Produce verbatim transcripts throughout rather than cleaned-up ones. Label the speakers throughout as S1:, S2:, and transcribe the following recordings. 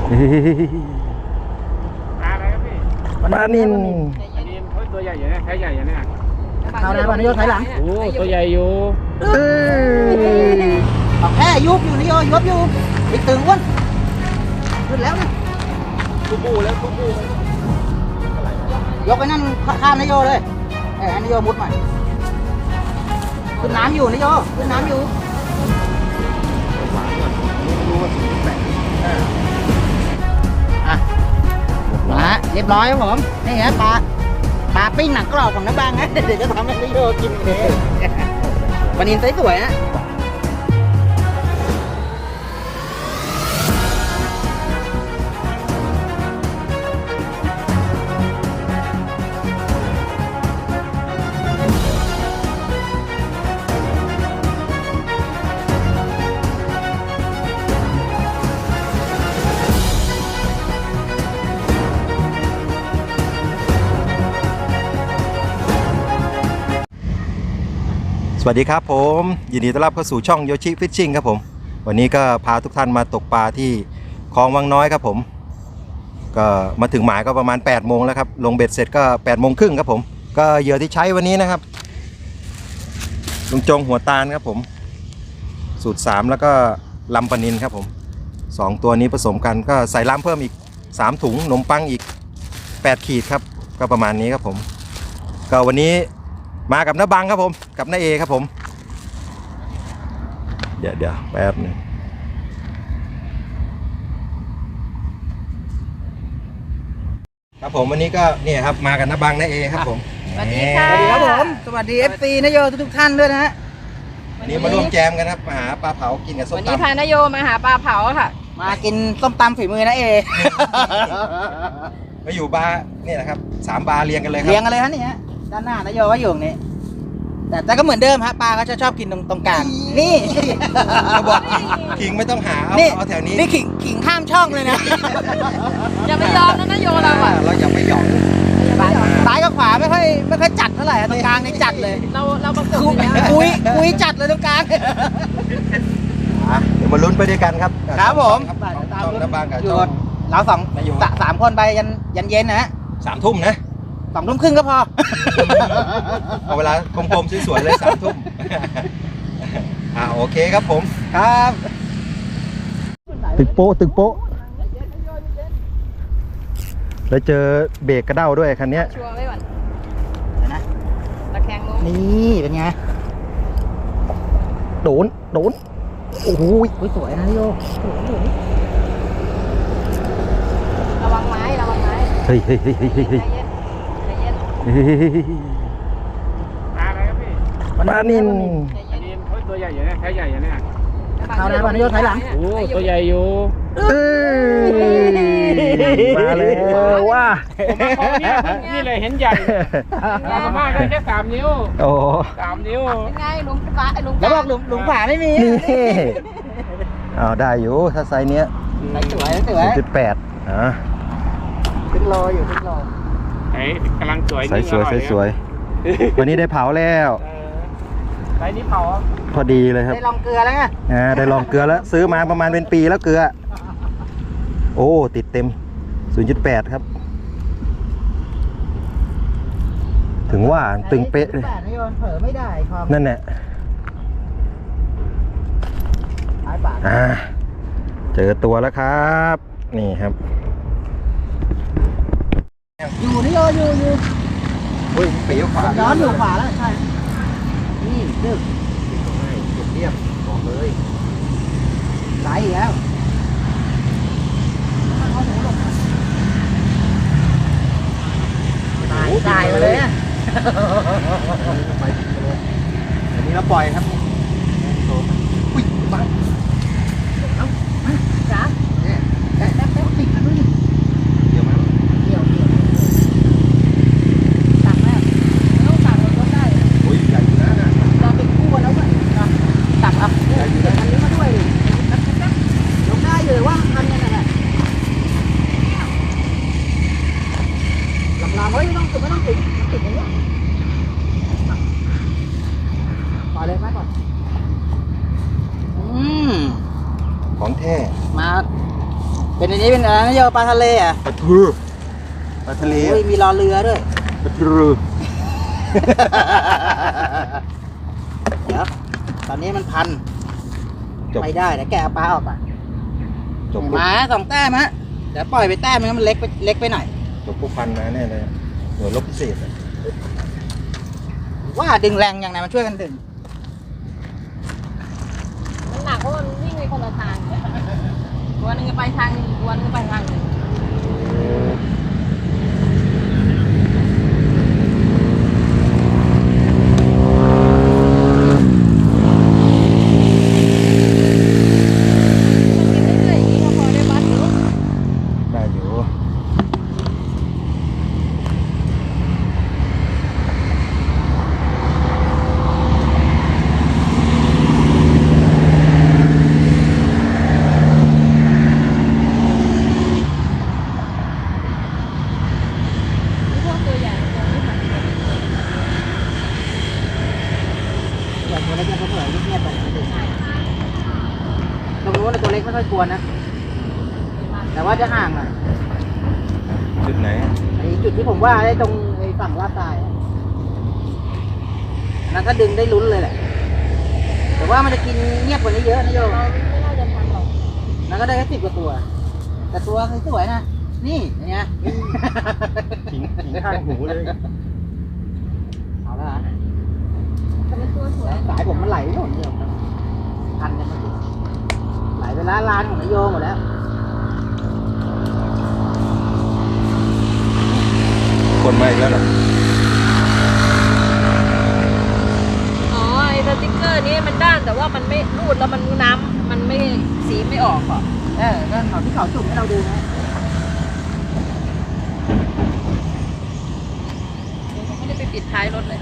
S1: อะไรครับพี่
S2: ปลานิน
S1: อันนี้เขาตัวใหญ่อย่างนี้แค่ใหญ่อย่างนี้
S3: เอาได้ป่ะนายโยถอยหลัง
S1: โอ้ตัวใหญ่อยู่
S2: เออ
S3: เอาแค่ยุบอยู่นายโยยุบอยู่ไปตึงอ้วนขึ้นแล้วนะ
S1: กูบูแล้วกูบู
S3: ยกไปนั่นข้ามนายโยเลยเออนายโยมุดใหม่ขึ้นน้ำอยู่นายโยขึ้นน้ำอยู่อ่ะมาเรียบร้อยครับผมนี่ฮะปลาปลาปิ้งหนังกรอบของน้ำบางนะเดี๋ยวจะทำให้นายโยกินเองปลานินสวยๆนะ
S2: สวัสดีครับผมยินดีต้อนรับเข้าสู่ช่องโยชิฟิชชิ่งครับผมวันนี้ก็พาทุกท่านมาตกปลาที่คลองวังน้อยครับผมก็มาถึงหมายก็ประมาณแปดโมงแล้วครับลงเบ็ดเสร็จก็แปดโมงครึ่งครับผมก็เหยื่อที่ใช้วันนี้นะครับลุงจงหัวตาลครับผมสูตรสามแล้วก็ลำปนินครับผมสองตัวนี้ผสมกันก็ใส่ล้ำเพิ่มอีกสามถุงนมปังอีกแปดขีดครับก็ประมาณนี้ครับผมก็วันนี้มากับน้าบังครับผมกับน้าเอครับผมเดี๋ยวเดี๋ยวแป๊บนึงครับผมวันนี้ก็เนี่ยครับมากับน้าบังน้าเอครับผม
S4: สวัสดีค่ะ
S3: สวัสดีครับผมสวัสดี เอฟ ซี นายโยทุกๆท่านด้วยนะฮะ
S2: วันนี้มาร่วมแจมกันครับมาหาปลาเผากินกับส้ม
S4: วัน
S2: ตำ
S4: นี้พานโยมาหาปลาเผาค่ะ
S3: มากินส้มตำฝีมือนะเอ
S2: มาอยู่บาร์นี่แหละครับสามบาร์เรียงกันเลยครับ
S3: เลี้ยงกันเลยฮะนี่ฮะด้านหน้านายโยก็อยู่ตรงนี้แต่แต่ก็เหมือนเดิมฮะปลาก็จะชอบกินตรงตรงกลางนี่
S2: เขาบอกขิงไม่ต้องหาเอา
S3: นี่
S2: เอาแถวนี้
S3: นี่ขิงขิงข้ามช่องเลยนะ
S4: อย่าไปยอมนะนโยเราอ่ะ
S2: เราอย่าไปหยอก
S3: ซ้ายกับขวาไม่ค่อยไม่ค่อยจัดเท่าไหร่ฮะตรงกลางนี่จัดเลย
S4: เราเราประกบ
S3: คุย
S4: อยู่แล้ว
S3: คุยคุยจัดเลยตรงกลาง
S2: อ่ะเดี๋ยวมาลุ้นไปด้วยกันครับ
S3: ครับผม
S2: ช่องน้าบังกับ
S3: อยู่
S2: ช่อง
S3: เราสอง
S2: นายโย
S3: สะสามคนไปยันยันเย็นนะฮะ
S2: สามทุ่มนะ
S3: สองทุ่มครึ่งก็พอ
S2: เอาเวลากลมๆสวยๆเลยสามทุ่ม อ่าโอเคครับผม
S3: ครับ
S2: ตึกโป๊ะตึกโป๊ะแล้วเจอเบรกกระเด้าด้วยคันนี้
S4: ชัวร์ไว้ก่อน
S3: เดี๋ยวนะ
S4: ตะแคงลง
S3: นี่เป็นไง
S2: โดนโดนโอ้โห
S3: อุ๊ยสวยนะพี่โย
S4: ระวังไม้ระวังไม้
S2: เฮ้ยเฮ้ยเฮ้ยเฮ้ย
S4: ใจ
S2: เฮ้ย
S4: เย็นใจเย็น
S1: อะไรครับพี่
S2: ปลานิน
S4: ใจ
S1: อั
S4: เย็
S1: น
S4: น
S1: นี้เขาตัวใหญ่อย่างนี้แค่ใหญ่อย่างนี้
S3: เอาได้ป่ะนายโยถอยหลัง
S1: โอ้ตัวใหญ่อยู่
S2: เอ้ยมาแล้วว่า
S1: ผมมาคอเนี่ยนี่เลยเห็นใหญ่สามารถได้แค่สามนิ้ว
S2: โอ้
S1: สามนิ้ว
S4: ยังไงลุงปลาลุง
S3: แล้วบอกหลุมหลุมขวาไม่มี
S2: นี่เอาได้อยู่ถ้าไซส์เนี้ย
S3: ใส่สวยสวย
S2: จุดแปดอ่ะ
S3: ขึ้นโลอยู่ขึ้นโล
S1: ไอ้กำลังสวย
S2: ไซส์สวยไซส์สวย วันนี้ได้เผาแล้ว
S1: ไอ้นี่เผา
S2: พอดีเลยครับ
S3: ได้ลองเกลือแล้วไง
S2: อ่าได้ลองเกลือแล้วซื้อมาประมาณเป็นปีแล้วเกลือ โอ้ติดเต็ม ศูนย์จุดแปด ครับ ถึงว่าตึงเป๊ะเลย
S3: แต่นายโยเผลอไม่ได้ความ
S2: นั่นแหละ
S3: สายปาก
S2: อ่าเจอตัวแล้วครับ นี่ครับ
S3: อยู่นายโยอยู่อยู่
S2: อุ้ยปีกขวา
S3: ย้อนอยู่ขวาแล้วใช่นี่ดึก
S2: เรียบบอกเลย
S3: สายอีกแล้วตายตายมาเลยอะ
S2: อันนี้เราปล่อยครับอุ้ยมา
S3: จ้าเนี่ยแป๊บแป๊บแป๊บติดกันด้วย
S2: เดี๋ยวมา
S3: เดี๋ยวเดี๋ยวตักแล้วไม่ต้องตักเราก็ได้
S2: อุ้ยใหญ่อยู่นะน่ะ
S3: เราเป็นคู่กันแล้วก็ตักเอาอันนี้มาด้วยแป๊บแป๊บแป๊บยกได้เลยว่าทำยังไงแหละลำลำเฮ้ยไม่ต้องติดไม่ต้องติดติดอย่างเงี้ยปล่อยเลยไหมก่อนเป็นอันนี้เป็นอะไรนะโยปลาทะเลอ่ะ
S2: ปลาทูปลาทะเล
S3: โอ้ยมีรอเรือด้วย
S2: ปลาทู
S3: เดี๋ยวตอนนี้มันพัน
S2: จบ
S3: ไม่ได้เดี๋ยวแกะเอาปลาออกอ่ะ
S2: จบ
S3: หมาสองแต้มฮะเดี๋ยวปล่อยไปแต้มนึงมันเล็กไปเล็กไปหน่อย
S2: จบผู้พันมาแน่เลยหน่วยรบพิเศษอะ
S3: ว่าดึงแรงอย่างไรมันช่วยกันดึง
S4: มันหนักเพราะมันวิ่งในคนละทางตัวนึงไปทางนึงตัวนึงไปทางนึง
S2: ได้อยู่
S4: พวกตัวใหญ่ตัวไม่ทัน
S3: อย่างตัวเล็กเนี่ยเขาเผยเงียบๆไปตรงนู้นนะตัวเล็กไม่ค่อยกลัวนะแต่ว่าจะห่างหน่อย
S2: จุดไหน
S3: ไอ้จุดที่ผมว่าไอ้ตรงไอ้ฝั่งลาดทรายอะอันนั้นถ้าดึงได้ลุ้นเลยแหละแต่ว่ามันจะกินเงียบกว่านี้เยอะนะโยม
S4: เราไม่น่าจะทันหรอก
S3: นั่นก็ได้แค่สิบกว่าตัว แต่ตัวสวยๆนะ นี่อย่างเงี้ย
S2: ขิงขิงข้างหูเลย
S3: เอาละ
S4: แต่มันตัวสวย
S3: สายผมมันไหลหมดเดียวพันกันมาสิไหลไปล้านล้านของนายโยหมดแล้ว
S2: คนมาอีกแล้วเหรอ
S4: อ๋อไอ้สติ๊กเกอร์นี้มันด้านแต่ว่ามันไม่รูดแล้วมันน้ำมันไม่สีไม่ออกอ่ะ
S3: เออก็เขาที่เขาจุ่มให้เราดูนะ
S4: ไม่ได้ไปปิดท้ายรถเลย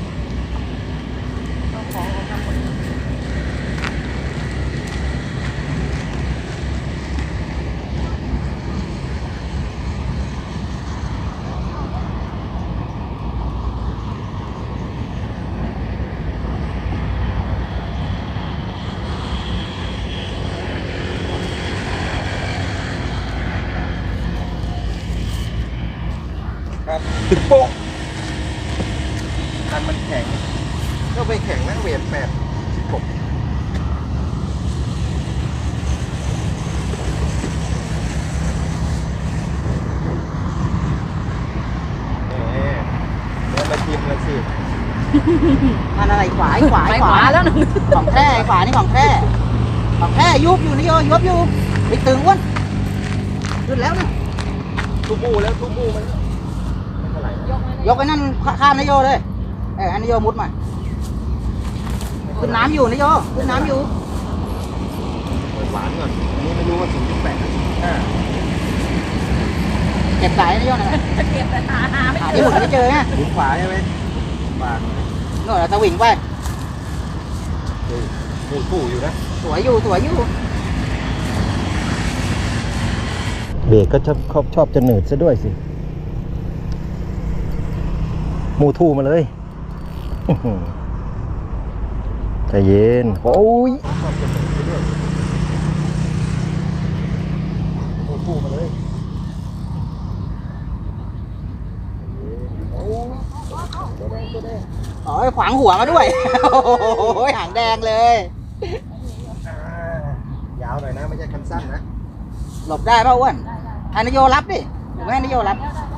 S4: เอาของออกมาหมด
S2: ครับตึกโป๊ะคันมันแข็งก็ไปแข็งนะเวทแปดสิบหกเอ๊ะเดี๋ยวมาชิมกันสิ
S3: อันอะไรขวาขวา
S4: ไปขวาแล้วหนึ่ง
S3: ของแท้ขวานี่ของแท้ของแท้ยุบอยู่นายโยยุบอยู่ไปตึงอ้วนขึ้นแล้วนะ
S2: ทูบูแล้วทูบูมันไม่เท่าไหร่นะ
S4: ยกไว้
S3: ยกไอ้นั่นข้ามนายโยเลยเอออันนายโยมุดมาขึ้นน้ำอยู่นายโยขึ้นน้ำอยู่
S2: เปิดหวานก่อนอันนี้ไม่รู้ว่าศูนย์จุดแปดหรือศูนย์จุดห้า
S3: เก็บสายนายโยหน่อย
S4: เก็บแต่หาหาไม่
S3: หา
S4: เจ
S3: ที่
S4: อ
S3: หมุนไม่เจอไง
S2: หมุนขวาใช่ไหมขวา
S3: โน่นเราสวิงไป
S2: หมุนปู่อยู่นะ
S3: สวยอยู่สวยอยู่
S2: เบรกก็ชอบชอบชอบจะหนืดซะด้วยสิมูทูมาเลยอื้อหือใจเย็น โอ้ยชอบจะหนืดซะด้วยมูทูมาเลยโอ้ยตัวแดงตัวแดง
S3: อ๋อขวางหัวมาด้วย โอ้ยหางแดงเลย
S2: อ่ายาวหน่อยนะ ไม่ใช่คันสั้นนะ
S3: หลบได้ป่ะอ้วนให้นายโยรับดิหรือไม่ให้นายโยรับ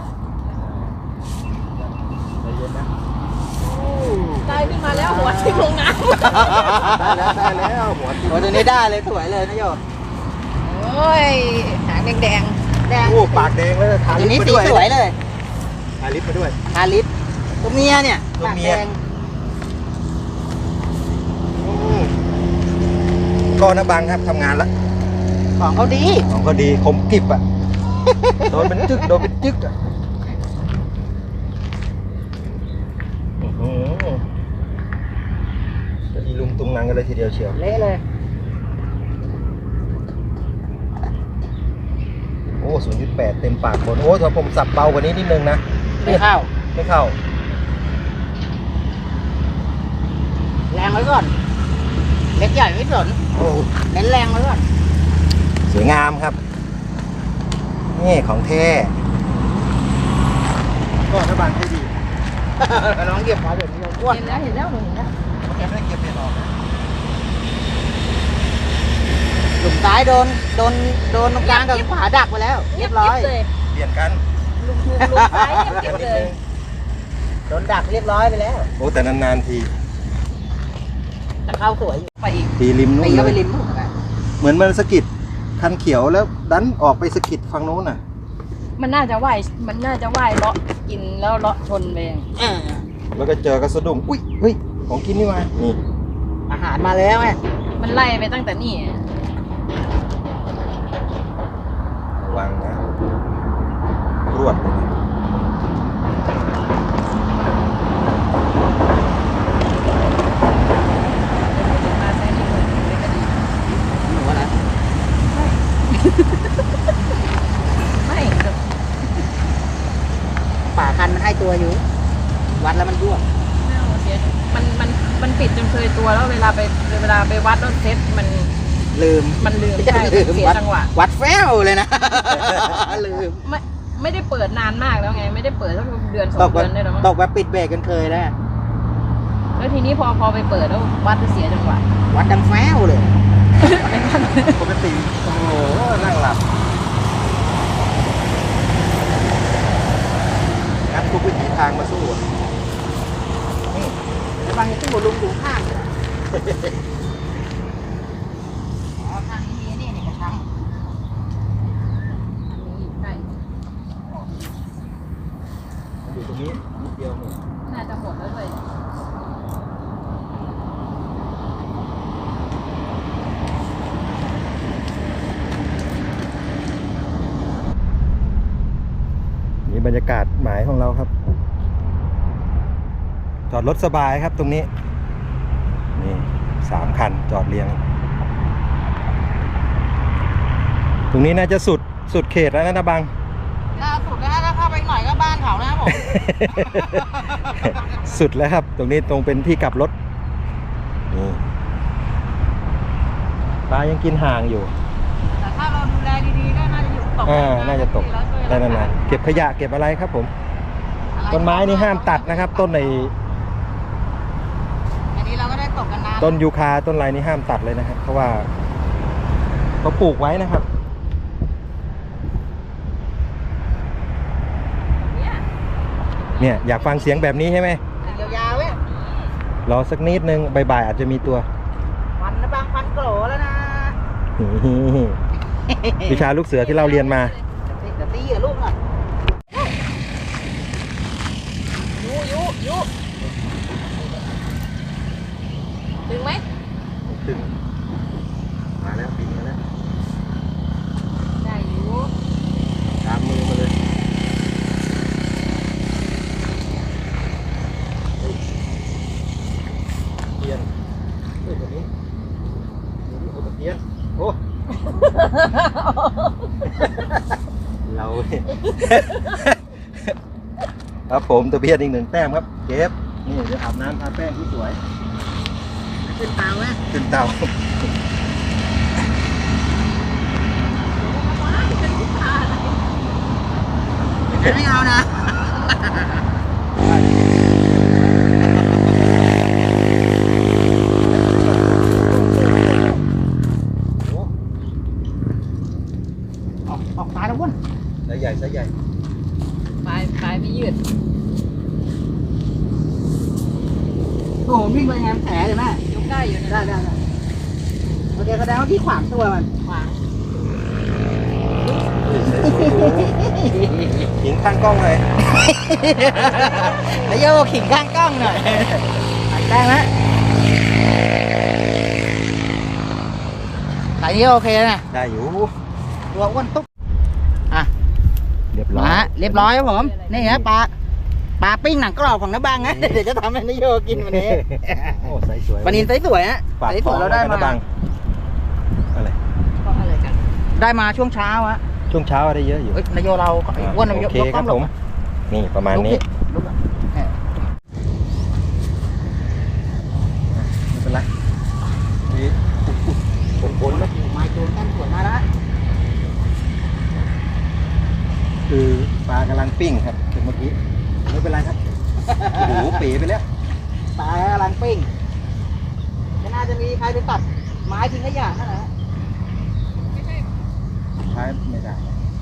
S2: ใจเย็นนะ
S4: ได้ขึ้นมาแล้วหัวทิ้งลงน้
S2: ได้แล้วได้แล้วหัวติด
S3: โอ้ตัวนี้ได้เลยสวยเลยนายโย
S4: ำโอ้ยหางแดง
S3: แดง
S2: โอ้ปากแดงเลยทา
S3: ตัว
S2: ลิป
S3: นี้
S2: มา
S3: สี
S2: ด้วย
S3: สวยเลย
S2: ทาลิปมาด้วย
S3: ทาลิปตัวเมียเนี่ย
S2: ตัว
S3: ปาก
S2: เมี
S3: แด
S2: ย
S3: ง
S2: อืมก็นะบังครับทำงานแล้ว
S3: ของเขาดี
S2: ของก็ดีคมกริบอ่ะ โดนเป็นจึกโดนเป็นจึกอ่ะอื้อหือจะอีลุงตุงนังกันเลยทีเดียวเชียว
S3: เละเลย
S2: โอ้ ศูนย์จุดแปด เต็มปากคน โอ้ถ้าผมสับเบากว่านี้นิดนึงนะ
S3: ไม่เข้า
S2: ไม่เข้า
S3: แรงไว้ก่อนเล็กใหญ่ไม่สน
S2: โอ้
S3: เน้นแรงไว้ก่อน
S2: สวยงามครับนี่ของแท้ก็ถ้าบางให้ดี
S3: ลองเหยียบขาแบบนี้อ้วน
S4: เห็นแล้วเห็นแล้วหนูเห็นแล้ว
S2: แกไม่ได้เก็บเห็ดออก
S3: หลุมซ้ายโดนโดนโดนตรงกลางกับขวาดักไปแล้ว เรียบร้อย
S4: เลย
S2: เปลี่ยนกัน
S4: ลุงลุงลุงซ้ายเงียบๆเลย
S3: โดนดักเรียบร้อยไปแล้ว
S2: โอ้แต่นานๆที
S3: แต่เข้าสวยอยู่
S4: ไปอีก
S2: ทีริมนู้
S3: ตี
S2: น
S3: เข้าไป
S2: เลย
S3: ริมนู่นนะ
S2: เหมือนมันสะกิดคันเขียวแล้วดันออกไปสะกิดฝั่งนู้นน่ะ
S4: มันน่าจะว่ายมันน่าจะว่ายเลาะกินแล้วเลาะชนไปเอง
S3: เออ
S2: แล้วก็เจอกระสะดุ้งอุ้ยเฮ้ยของกินนี่มานี่
S3: อาหารมาแล้วไง
S4: มันไล่ไปตั้งแต่นี่
S2: ระวังนะรวดเลยนะ
S4: มาแซงนี่เลยเป็นคดี
S3: หนูว่านะ
S4: ไม่
S3: ป่าคันมันให้ตัวอยู่ วัดแล้วมันร่วง
S4: ไม่เอาเสียมันมันมันปิดจนเคยตัวแล้วเวลาไปเวลาไปวัดรถเซ็ตมัน
S3: ลืม
S4: มันลืมใช่
S3: ลืม
S4: เสีย
S3: วัด
S4: จังหวะ
S3: วัดแฟวเลยนะ ลืม
S4: ไม่ไม่ได้เปิดนานมากแล้วไง ไม่ได้เปิดสักเดือนสอ
S3: ต
S4: ง
S3: กแบ
S4: เดื
S3: บ
S4: อนได้แล้วมั้ง
S3: ตกแบบปิดเบรกกันเคยแล้ว
S4: แล้วทีนี้พอพอไปเปิดแล้ววัดจะเสียจังหวะ
S3: วัดดังแฟวเลย
S2: ปกติโอ้โหนั่งหลับงัดทุกวิถีทางมาสู้อะ
S3: ไอ้บางที่หัวลุงอยู่ข้างเลยอ๋อทางนี้มีนี่นี่กระชัง
S4: ใช่
S2: อยู่ตรงนี้นิดเดียวนี่
S4: น่าจะหมดแล้วเลย
S2: นี่บรรยากาศหมายของเราครับ จอดรถสบายครับตรงนี้นี่สามคันจอดเรียง ตรงนี้น่าจะสุดสุดเขตแล้วนะนะบัง
S3: ล่าสุดนะฮะถ้าเข้าไปหน่อยก็บ้านเขานะครับผม
S2: สุดแล้วครับ ตรงนี้ตรงเป็นที่กลับรถนี่ปลายังกินห่างอยู่
S3: แต่ถ้าเราดูแลดีๆก็น่าจะอยู่ตก
S2: อ่าน่าจะตกได้นานๆเก็บขยะเก็บอะไรครับผม ต้นไม้นี่ห้ามตัดนะครับ ต้นใน
S3: อันนี้เราก็ได้ตกกันนาน
S2: ต้นยูคาต้นไรนี่ห้ามตัดเลยนะครับ เพราะว่าเขาปลูกไว้นะครับ เนี่ยอยากฟังเสียงแบบนี้ใช่ไหม
S3: ยาวๆเว้ย
S2: รอสักนิดนึงบ่ายๆอาจจะมีตัว
S3: พันนะบางพันโกรแล้วนะ
S2: วิชาลูกเสือที่เราเรียนมา
S3: เดี๋ยวตีกับลูกหน่อย
S4: ยุยุยุถึงไหม
S2: ถึงมาแล้วบินมาแล้ว
S4: ได้อยู่
S2: ตามมือมาเลยเทียนเฮ้ยตัวนี้ตัวนี้โอ้ตะเทียนโอ้ เราเนี่ยครับผมตะเพียนอีกหนึ่งแต้มครับเก็บนี่เดี๋ยวอาบน้ำทาแป้งที่สวย
S3: ขึ้นเตาไหม
S2: ขึ้นเตา
S3: ไม่เอานะ ออกออกตายแล้ววุ้น
S2: ไซส์ใหญ่ไซส์ใหญ่
S4: ปลายปลายไม่ยืด
S3: โอ้โหวิ่งไปแฮมแผลเลยแม่
S4: ยกได้อยู่นะ
S3: ได้ได้ได้โอเคแสดงว่าพี่ขวางตัวมัน
S4: ขวาง
S2: หินข้างกล้องเลย
S3: แล้วโยกขิงข้างกล้องหน่อยได้ไหมสายนี้โอเคนะ
S2: ได้อยู่
S3: ตัวอ้วนตุ๊กอ่ะ
S2: เรียบร้อย
S3: มาเรียบร้อยครับผม นี่ฮะปลาปลาปิ้งหนังกรอบของน้าบังนะเดี๋ยวจะทำให้นายโยกินวันนี้
S2: โอ้ไซส์สวย
S3: ปลานินไซส์สวยฮะ
S2: ฝาก
S3: ไซส์
S2: ข
S3: ส
S2: อ
S3: วย
S2: ง
S3: เราได้
S2: ว้นะ
S3: มา
S2: บังอะไร
S4: ก็อะไรกัน
S3: ได้มาช่วงเช้าฮะ
S2: ช่วงเช้าได้เยอะอยู่
S3: เอ้ยนายโยเราไอ้อ้วนนายโย
S2: โอเค
S3: ยก
S2: ค
S3: กล้
S2: รั
S3: อบ งล
S2: ผ
S3: ง
S2: ม นี่ประมาณนี้
S3: ลุกอะเนี่ย
S2: ไม่เป็นไรนี่ผลผลนะ
S3: ไม้โจนแต้มสวยมาแล้ว
S2: คือปลากำลังปิ้งครับถึงเมื่อกี้ไม่เป็นไรครับโอ้โหเป๋ไปแล้ว
S3: ปลากำลังปิ้งจะน่าจะมีใครไปตัดไม้ทิ้งขยะนั่นแหละ
S2: ใช้ไม่ได้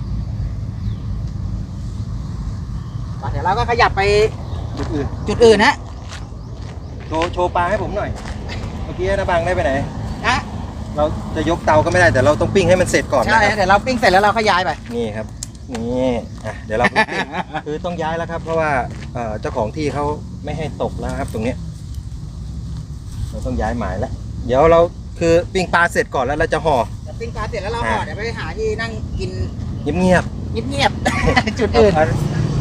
S3: เดี๋ยวเราก็ขยับไป
S2: จุดอื่น
S3: จุดอื่นนะ
S2: โชว์โชว์ปลาให้ผมหน่อยเมื่อกี้นะบางได้ไปไหน
S3: นะ
S2: เราจะยกเตาก็ไม่ได้แต่เราต้องปิ้งให้มันเสร็จก่อน
S3: ใช่
S2: นะครับ
S3: เดี๋ยวเราปิ้งเสร็จแล้วเราขยายไป
S2: นี่ครับนี่อ่ะเดี๋ยวเราปิ้ง คือต้องย้ายแล้วครับ เพราะว่าเอ่อเจ้าของที่เขาไม่ให้ตกแล้วครับ ตรงเนี้ยเราต้องย้ายหมายแล้วเดี๋ยวเราคือปิ้งปลาเสร็จก่อนแล้วเราจะห่อ
S3: เดี๋ยวปิ้งปลาเสร็จแล้วเราห่อเดี๋ยวไปหาที่นั่งกิน
S2: เงียบ
S3: เงียบๆ จุด
S2: ๆ
S3: อื่น
S2: เอา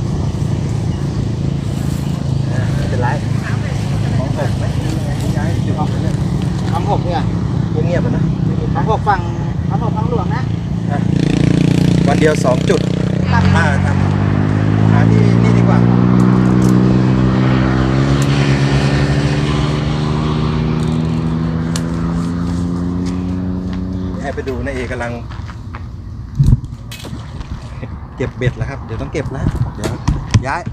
S2: อ่ะไม่เป็นไรของหกไหมย้ายจุดอื่นเลย
S3: คำหกเนี่ย
S2: เงียบๆอะนะ
S3: คำหกฝั่งคำหกฝั่งหลวงนะ
S2: อ่ะวันเดียวสองจุด
S3: ตั้ง
S2: มาทำหาที่นี่ดีกว่าให้ไปดูนะเอกำลัง เก็บเบ็ดแล้วครับ เดี๋ยวต้องเก็บแล้วเดี๋ยวย้าย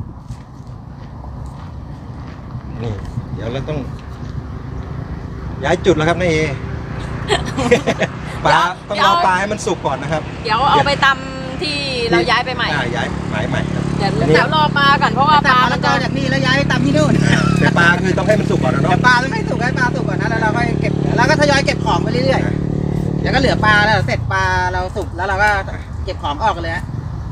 S2: นี่เดี๋ยวเราต้อง ย้ายจุดแล้วครับนายเอ ปลาต้องรอปลาให้มันสุกก่อนนะครับ
S4: เดี๋ยวเอาไปตำที่เราย้ายไปใหม่
S2: อ่าย้ายหมายใหม่ครับ
S4: เดี๋ยว
S2: อันนี้
S4: เดี๋ยวรอปลาก่อนเพราะว่าป
S3: ตัด
S4: ลาม
S3: ะ
S4: มั
S3: ละ
S4: น
S3: ก
S4: จะ
S3: อจากนี่แล้วย้ายไปตำที่นู่น
S2: แต่ปลาคือต้องให้มันสุกก่อนนะ
S3: เดี๋
S2: เนาะ
S3: ยวปลามันไม่สุกให้ปลาสุกก่อนนะแล้วเราก็เก็บแล้วก็ทยอยเก็บของไปเรื่อยๆเดี๋ยวก็เหลือปลาแล้วเสร็จปลาเราสุกแล้วเราก็เก็บของออกกันเลยฮะ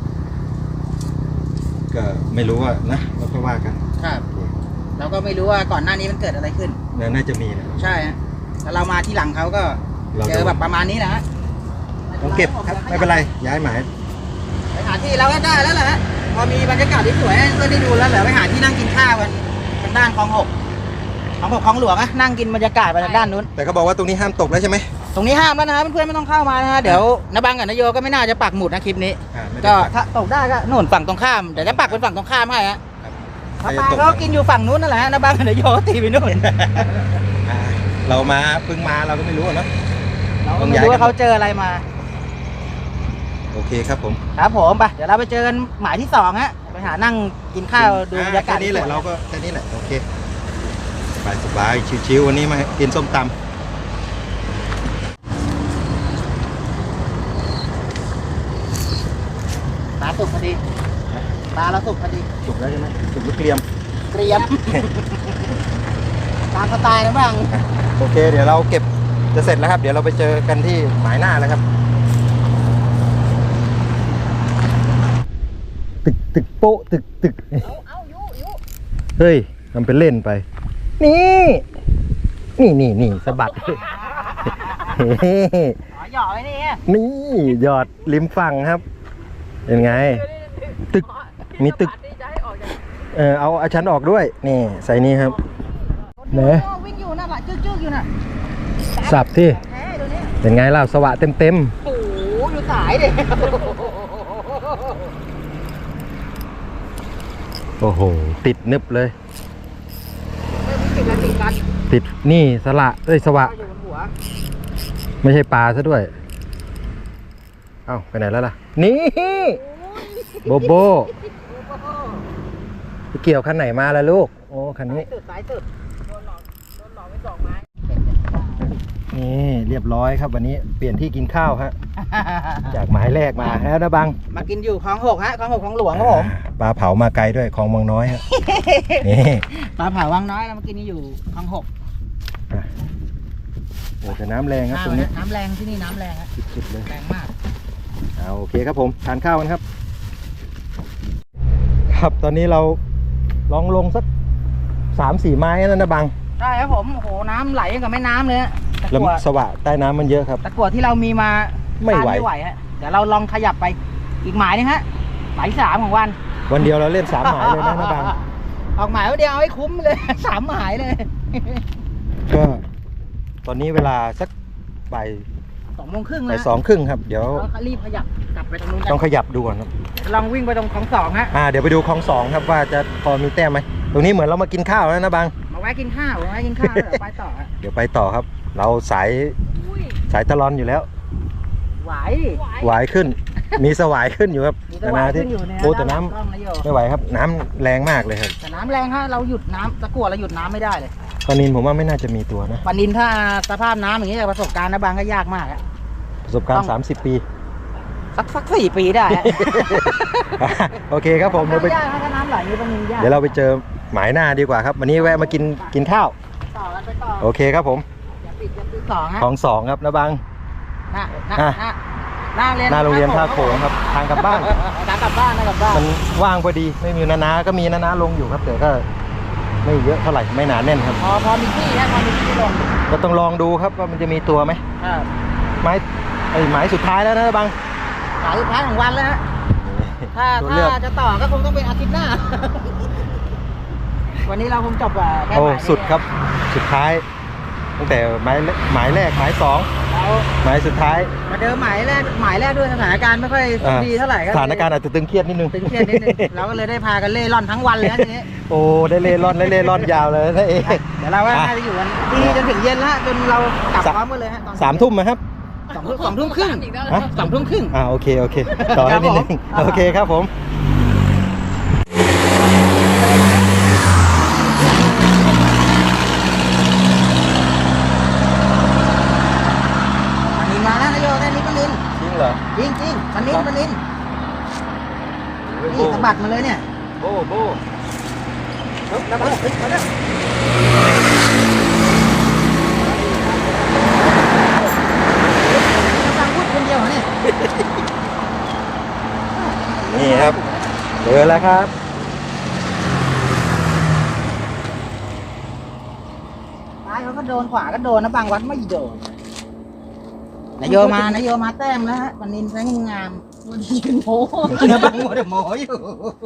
S2: ก็ไม่รู้ว่านะเราก็ว่ากัน
S3: ครับเราก็ไม่รู้ว่าก่อนหน้านี้มันเกิดอะไรขึ้น
S2: น่าจะมีนะ
S3: ใช่ฮะแล้วเรามาที่หลังเขาก็
S2: เรา
S3: เจอแบบประมาณนี้นะฮะ
S2: ต้องเก็บครับไม่เป็นไรย้ายหมาย
S3: ไปหาที่เราก็ได้แล้วแหละฮะพอมีบรรยากาศที่สวยก็ได้ดูแล้วเหลือไปหาที่นั่งกินข้าวกันทางด้านคลองหกคลองหกคลองหลวงอะนั่งกินบรรยากาศไปทางด้านนู้น
S2: แต่เขาบอกว่าตรงนี้ห้ามตกแล้วใช่ไหม
S3: ตรงนี้ห้ามแล้วนะเพื่อนๆไม่ต้องเข้ามานะฮะเดี๋ยวนาบังกับนายโยก็ไม่น่าจะปักหมุดนะคลิปนี้
S2: อ่าไม่ได้
S3: ก็
S2: ปัก
S3: ถ้าตกได้ก็โน่นฝั่งตรงข้ามเดี๋ยวจะปักเป็นฝั่งตรงข้ามให้ฮะ
S2: ครับ
S3: ปลาเขากินอยู่ฝั่งนู้นนั่นแหละฮะนาบังกับนายโยก็ตีไปนู่น
S2: อ่าเรามาเพิ่งมาเราก็ไม่รู้อะเนาะ
S3: เราก็ไม่รู้ว่าเขาเจออะไรมา
S2: โอเคครับผม
S3: ครับผมไปเดี๋ยวเราไปเจอกันหมายที่สองฮะไปหานั่งกินข้าวดูบรรยากาศ
S2: แค่นี้แหละเราก็แค่นี้แหละโอเคสบายสบายชิวๆวันนี้มากินส้มตำ
S3: ปลาสุกพอดีปลาเราสุกพอดี
S2: สุกแล้วใช่ไหมสุกหรือเกรียม
S3: เตรียม ตามสไตล์นะบ้าง
S2: โอเค เดี๋ยวเราเก็บจะเสร็จแล้วครับ เดี๋ยวเราไปเจอกันที่หมายหน้าแล้วครับ ตึกตึกโป๊ะตึกตึก
S4: เอาเอายุยุ
S2: เฮ้ยทำเป็นเล่นไป นี่ นี่นี่นี่สะบัด
S3: อ๋อหยอกไว้นี่
S2: นี่ยอดริมฝั่งครับ เป็นไง ตึก มีตึก
S4: จะให้ออกจาก
S2: เออเอาอาชั้นออกด้วย นี่ใส่นี่ครับเนอะ
S3: วิ่งอยู่น่ะหละจึ๊กๆอยู่น่ะ
S2: สับที่
S3: แหมตัวนี้
S2: เป็นไงล่ะสวะเต็มเต็ม
S3: โอ้โหอยู่สายดิ
S2: ๆโอ้โห ติดนึบเลย
S3: ไม่มีติดอะไรติดกัน
S2: ติดนี่สละเอ้ยสวะ
S3: อยู่บนหัว
S2: ไม่ใช่ปลาซะด้วย เอ้าไปไหนแล้วล่ะ นี่โบโบไปเกี่ยวคันไหนมาล่ะลูก โอ้คันนี้
S3: สุดสายสุดโดนหลอกโดนหลอกไปสองไม้
S2: นี่เรียบร้อยครับวันนี้เปลี่ยนที่กินข้าวฮะ จากหมายแรกมาแล้วนะบัง
S3: มากินอยู่คลองหกฮะคลองหกคลองหลวงครับผม
S2: ปลาเผามาไกลด้วยคลองวังน้อยฮะ นี่
S3: ปลาเผาวังน้อยเรามากินอยู่คลองหก
S2: อ่ะโอ้แต่น้ำแรงครับตรงนี้
S3: น้ำแรงที่นี่น้ำแรงฮะ
S2: สุดๆเลย
S3: แรงมาก
S2: เอาโอเคครับผมทานข้าวกันครับ ครับตอนนี้เราลองลงสักสามสี่ไม้แล้วนะบัง
S3: ใช่ครับผมโอ้โหน้ำไหลกับแม่น้ำเลยฮะตะ
S2: แล้ว
S3: กั่ว
S2: สวะใต้น้ำมันเยอะครับ
S3: ตะกั่วที่เรามีมา
S2: ไม่ไหว
S3: ต้านไม่ไหวฮะเดี๋ยวเราลองขยับไปอีกหมายนึงฮะหมายที่สามของวัน
S2: วันเดียวเราเล่นสามหมายเลยนะนะบัง
S3: ออกหมายวันเดียวเอาให้คุ้มเลย สามหมายเลย
S2: ก็ตอนนี้เวลาสักบ่าย
S3: สองโมงครึ่ง
S2: บ่า
S3: แล้
S2: ยว สองครึ่งครับเดี๋ยว
S3: เรารีบขยับกลับไปตรงนู้นกั
S2: ต้องขยับดูก่อนครับ
S3: ลองวิ่งไปตรงคลองสองฮะ
S2: อ่าเดี๋ยวไปดูคลองสองครับว่าจะพอมีแต้มไหมตรงนี้เหมือนเรามากินข้าวแล้วนะบัง
S3: มาแวะกินข้าวมาแวะกินข้าวแล้วเดี๋ยวไปต่อฮะ
S2: เดี๋ยวไปต่อครับ เราสาย
S4: อุ้ย
S2: สายตะลอนอยู่แล้ว
S3: ไหว
S2: หวายขึ้นมีสวายขึ้นอยู่ครับ
S3: มีตะวัน
S2: ที่
S3: ขึ้นอยู่เนี่ย
S2: โอ้แต่น้
S3: กล้องนะโย
S2: ำไม่ไหวครับน้ำแรงมากเลยครับ
S3: แต่น้ำแรงฮะเราหยุดน้ำตะกั่วเราหยุดน้ำไม่ได้เลย
S2: ปลานินผมว่าไม่น่าจะมีตัวนะ
S3: ปานินถ้าสภาพน้ำอย่างนี้จากประสบการณ์นะบางก็ยากมากอะ
S2: ประสบการ
S3: ต้
S2: ณ์
S3: อง
S2: สามสิบปี
S3: สักสักสี่ปีได้อะ
S2: โอเคครับผมเดี๋ยวไป
S3: ยากนะถ้าน้ำไหลนี่ปานินยาก
S2: เดี๋ยวเราไปเจอหมายหน้าดีกว่าครับ วันนี้แวะมากินกินข้าว
S3: ต่อกันไปต่อ
S2: โอเคครับผม
S3: อย่าปิดอย่าปิดสองฮะ
S2: ของสองครับนะบัง
S3: หน้าหน้า
S2: อ่ะ
S3: หน้าหน้าโรงเรียน
S2: หน้าโรงเรียนท่าโขงครับทางกลับบ้าน
S3: ทางกลับบ้านนะกลับบ้าน
S2: มันว่างพอดีไม่มีนานาก็มีนานาลงอยู่ครับแต่ก็ไม่เยอะเท่าไหร่ไม่หนาแน่นครับ
S3: พอพอมีที่นะพอมีที่ลง
S2: ก็ต้องลองดูครับว่ามันจะมีตัวไหม
S3: ครับ
S2: ไม้ไอ้หมายสุดท้ายแล้วนะบัง
S3: สายสุดท้ายของวันแล้วฮะถ้า
S2: ตัว
S3: ถ้า
S2: เลือก
S3: จะต่อก็คงต้องเป็นอาทิตย์หน้า วันนี้เราคงจบอ่ะแค่
S2: โอ้
S3: หมายนี้
S2: สุดครับสุดท้าย ตั้งแต่หมายหมายแรกหมายสอง
S3: เรา
S2: หมายสุดท้าย
S3: มาเดิมหมายแรกหมายแรกด้วยสถานการณ์ไม่ค่อย
S2: อ่า
S3: ดีเท่าไหร่ก็
S2: สถานการณ์อาจจะตึงเครียดนิดนึง
S3: ตึงเครียดนิดนึงเราก็เลยได้พากันเล่ร่อนทั้งวันเลยนะทีนี้
S2: โอ้ได้เล่ร่อนได้เล่ร่อนยาวเลยนะเอง
S3: เดี๋ยวเราว่า
S2: อ่ะ
S3: น่าจะอยู่กันที่นี่จนถึงเย็นแล้วฮะจนเรากลับ
S2: สาม
S3: พร้อมกันเลยฮะตอน
S2: สามทุ่มนะครับ
S3: สองทุ่มสองทุ่มครึ่ง
S4: อีกแล้ว
S2: ฮะ
S3: สองทุ่มครึ่ง
S2: อ่าโอเคโอเคต่อให้นิดนึง
S3: ครับผม
S2: โอเคครับผม
S3: ปลานินมาแล้วนายโยได้นี้ปลานิน
S2: จริงเหรอ
S3: จริงจริงปลานินปลานิน
S2: โอ้
S3: นี่สะบัดมาเลยเนี่ย
S2: โบ้โบ้
S3: เฮ้ยระเบิดเฮ้ยมาแล้วกำลังพูดคนเดียวเหรอเนี่ย
S2: นี่ครับเจอแล้วครับ
S3: ซ้ายเขาก็โดนขวาก็โดนนะบางวัดไม่โดนนายโยมานายโยมาแต้มแล้วฮะปลานินแสงงาม
S4: วันนี้ยืนโม
S3: เนื้อบางหมดหมออยู่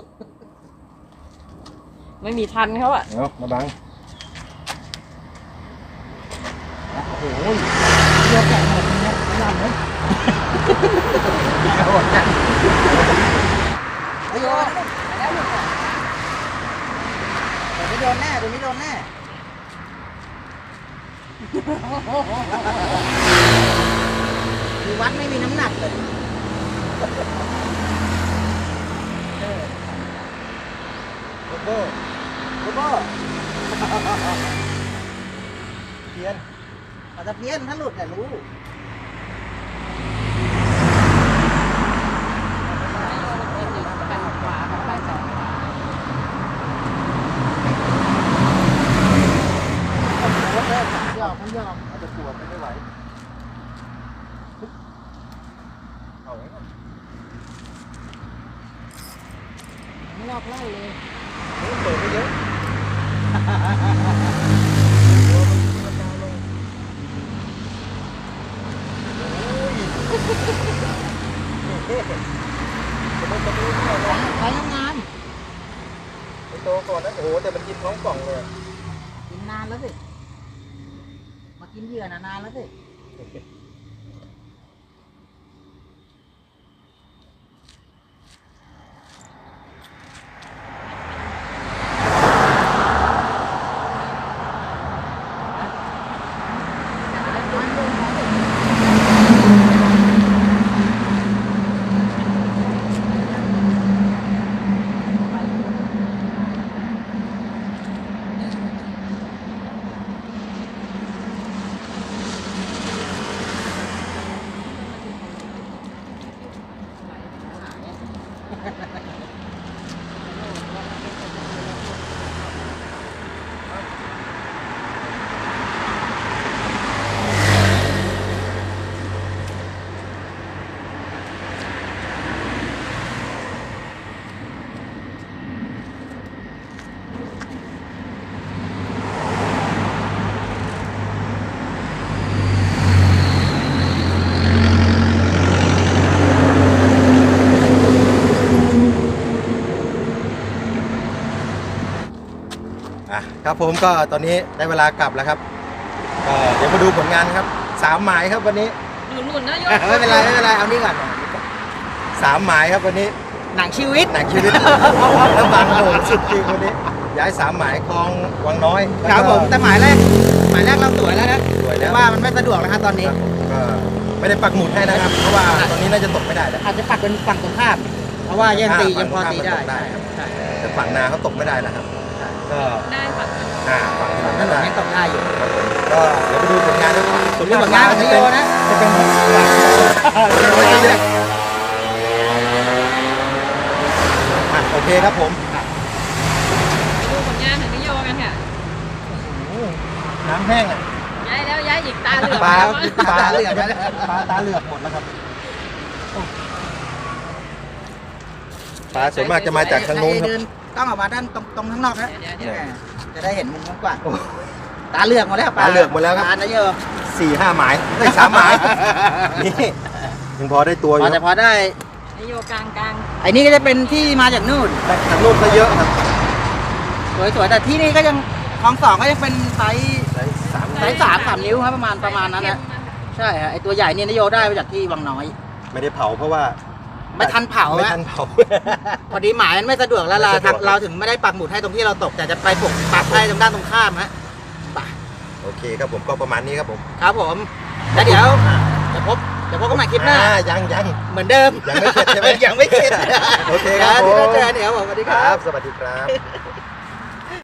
S4: ไม่มีทันเขาอะ
S2: เอามาบัง
S3: โอ้โหโยแกะหมดเลยนะไม่ยอมเลยโหดจังนายโยแล้วหลุดอ่ะเดี๋ยวนี้โดนแน่เดี๋ยวนี้โดนแน่คือวัดไม่มีน้ำหนักเลยเออ
S2: โบ้โบ้
S3: โอ้โห
S2: เพียน
S3: ปลาตะเพียนถ้าหลุดแต่ยรู้ ยอมมันยอม
S2: อาจจะปวดไม่ไหวเอาไว้ก่อน
S3: ไม่รอบไล่เลย
S2: เปิดไปเยอะจะไม่จะไม่รู้เท่าไหร่
S3: ใช้งาน
S2: ไอโตก่อนนะโอ้โหแต่มันกินท้องกล่องเลย
S3: กินนานแล้วสิ มากินเหยื่อนะนานแล้วสิ
S2: อ่ะครับผมก็ตอนนี้ได้เวลากลับแล้วครับก็เดี๋ยวมาดูผลงานครับสามหมายครับวันนี้
S4: หนุนๆนะโย
S3: ไม่เป็นไรไม่เป็นไรเอานี่ก่อน
S2: สามหมายครับวันนี้
S3: หนังชีวิต
S2: หนังชีวิตแล้วบางโหดสุดจริงวันนี้ย้ายสามหมายคลองวังน้อย
S3: ครับผมแต่หมายแรกหมายแรกเราสวยแล้วนะ
S2: สวยแล้
S3: แต่
S2: ว
S3: ว่ามันไม่สะดวกแล้วฮะตอนนี้
S2: ครับผมก็ไม่ได้ปักหมุดให้นะครับ เพราะว่าตอนนี้น่าจะตกไม่ได้แล้ว
S3: อาจจะปักเป็นฝั่งตรงข้ามเพราะว่ายังตียังพอตีได้
S2: ใช่แต่ฝั่งนาเขาตกไม่ได้นะครับก็
S4: ได้ค่ะ
S2: อ่าฝั่ง
S3: ถ
S2: นั้น
S3: นน
S2: ได้
S3: ยังตกได้อยู่
S2: ครับผมก็เดี๋ยวไปดูผลงานด้วย
S3: ส่วนเรื่องผลงานของนิโยนะ
S2: จะเป็นอ่ะโอเคครับผม
S4: ดูผลงานของนิโยกันค่ะ
S2: น้ำแห้งอ่ะ
S4: ย้ายแล้วย้ายอีกตาเหลือก
S2: ปลา
S4: แล้วมั้ง
S2: ปลาเหลือกปลาตาเหลือกหมดแล้วครับปลาส่วนมากจะมาจากทางโน้นครับ
S3: เดินต้องออกมาด้านตรงตรงข้างนอกนะ
S4: เดี๋ยวเดี๋ยว
S3: จะได้เห็นมุมกว้างตาเหลือกหมดแล้ว
S2: ตาเหลือกหมดแล้วครับ
S3: ปลานะโย
S2: สี่ห้าหมายได้สามหมายนี่ยังพอได้ตัวอ
S3: พอยู่ จะพอได้
S4: นิโยกลางกลาง
S3: ไอ้นี่ก็จะเป็นที่มาจากนู่น
S2: แต่ทางโน้นก็เยอะครับ
S3: สวยๆแต่ที่นี่ก็ยังคลองสองก็ยังเป็นไซส์
S2: ได้สาม
S3: ไซส์สามสามนิ้วครับประมาณประมาณนั้นนะใช่ฮะไอตัวใหญ่เนี่ยนโยได้มาจากที่วังน้อย
S2: ไม่ได้เผาเพราะว่า
S3: ไม่ทันเผา
S2: ไม่
S3: ฮะ
S2: ทันเผา
S3: พอดีหมายมันไม่สะดวกแล้วเรา
S2: ไม่สะดวก
S3: ทางเราถึงไม่ได้ปักหมุดให้ตรงที่เราตก แต่จะไปปกปักให้ตรงด้านตรงข้ามฮะไป
S2: โอเคครับผมก็ประมาณนี้ครับผม
S3: ครับผมแล้วเดี๋ยวจะพบจะพบกันใหม่คลิปหน้า
S2: อ่ยังยัง
S3: เหมือนเดิม
S2: ยังไม่เสร็จใช่ไหม
S3: ยังไม่เสร็จ
S2: โอเคครับผม
S3: เดี๋ยวเจอกันเดี๋ยวผมสวัสดี
S2: ค
S3: ค
S2: รั
S3: รับ
S2: บ สวัสดีครับ